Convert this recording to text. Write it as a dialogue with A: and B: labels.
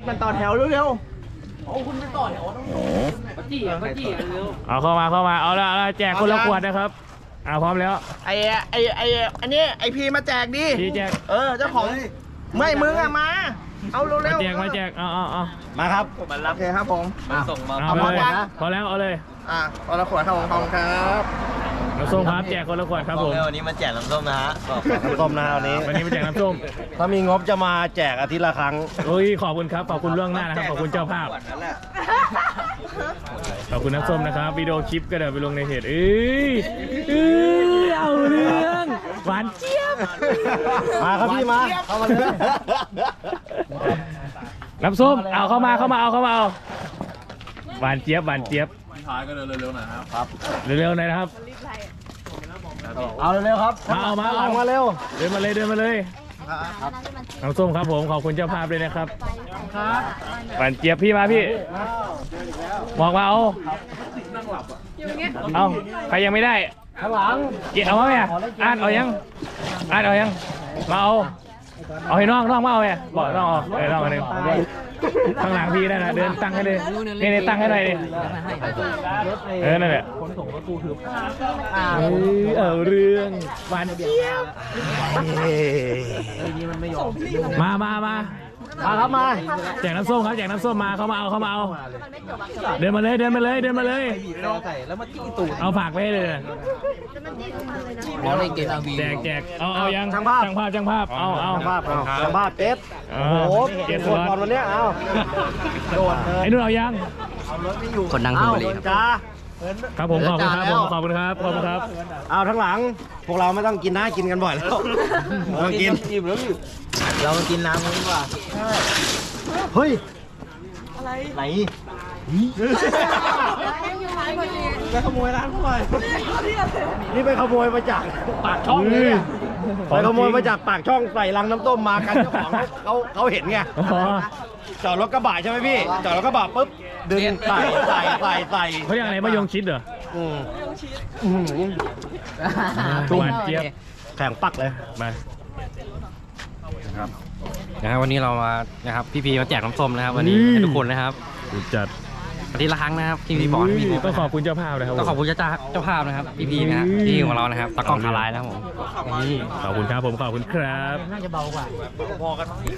A: กันต่อแถวเร็ว
B: เอาเข้ามาเอาละแจกคนละขวดนะครับพร้อมแล้ว
A: ๆอันนี้ไอพีมาแจกดิ
B: พี่แจก
A: เจ้าของไม่มึงอะมาเอาเร็วๆ
B: มาแจกเอา
C: มาครับ
A: โอเคครับผม
C: ส่งมา
B: เอาเลยพอแล้วเอาเลย
A: เอาละขวดครับผมขอบคุณครับ
B: น้ำส้มครับแจกคนละขวดครับผม
C: วันนี้มาแจกน้ำส้มนะฮะน้ำส้มนะวันนี้
B: วันนี้มาแจกน้ำส้ม
C: ถ้ามีงบจะมาแจกอาทิตย์ละครั้ง
B: ขอบคุณครับขอบคุณล่วงหน้านะครับขอบคุณเจ้าภาพขอบคุณน้ำส้มนะครับวิดีโอคลิปก็เดี๋ยวไปลงในเพจเอาเรื่องหวานเจี๊ยบ
C: มาครับพี่มาเข้ามาเลย
B: น้ำส้มเอาเข้ามาเอาหวานเจี๊ยบ
D: ท้ายก็เร็วๆหน่อยครับ
B: เร็วๆหน่อยนะครับ
C: เอาเร็วๆครับ
B: มาเร็วเดินมาเลยน้ำส้มครับผมขอบคุณเจ้าภาพด้วยนะครับหวานเจี๊ยบพี่มาพี่บอกมาเอาใครยังไม่ได้
C: ข้างหลัง
B: เกี่ยวมาไหมอ่านเอายังมาเอาให้น้องมาเอาไงบอกน้องออกน้องอันนึงข้างหลังพี่นั่นนะเดินตั้งให้เลยนี่ตั้งให้หน่อยดินั่นแหละเอาเรื่องหวานเจี๊ยบมา
C: ครับมา
B: แจกน้ำส้มครับแจกน้ำส้มมาเข้ามาเอาเดินมาเลยเอาฝากไว้เลยแจกเอายังช่างภาพเอา
C: สัมภาษณ์เจ็ดโอ้โหเจ็ดคนก่อนวันนี้เอาโดนเลย
B: ไอ้นู่นเอายัง
E: คนดังคนบุรีครับ
C: จ้า
B: ครับผมขอบคุณครับ
C: เอาทั้งหลังพวกเราไม่ต้องกินนะกินกันบ่อยแล้วเรากินเรากินน้ำกันดีกว่าเฮ้ยอะไรไหนไปขโมยร้านเขาเลยนี่ไปขโมยมาจากปากช่องเลยไปขโมยมาจากปากช่องใส่ลังน้ำต้มมากันเจ้าของเขาเห็นไงจอดรถกระบะใช่ไหมพี่จอดรถกระบะปุ๊บดึงใส่
B: เขาเรียกอะไรมะยงชิดเหรอหวานเจี๊ยบ
C: แข็งปักเลย
B: มา
E: นะครับวันนี้เรามานะครับพี่มาแจกน้ำส้มนะครับวันนี้ให้ทุกคนนะครับ
B: จัด
E: อาทิตย์ละครั้งนะครับพี่บอกให้พี่
B: ต้องขอบคุณเจ้าภาพนะครับ
E: ต้องขอบคุณเจ้าภาพนะครับพี่นะฮะที่ของเรานะครับตะกล้องคาไลน์นะครับผม
B: ขอบคุณครับผมขอบคุณครับ
E: น่าจะเบากว่า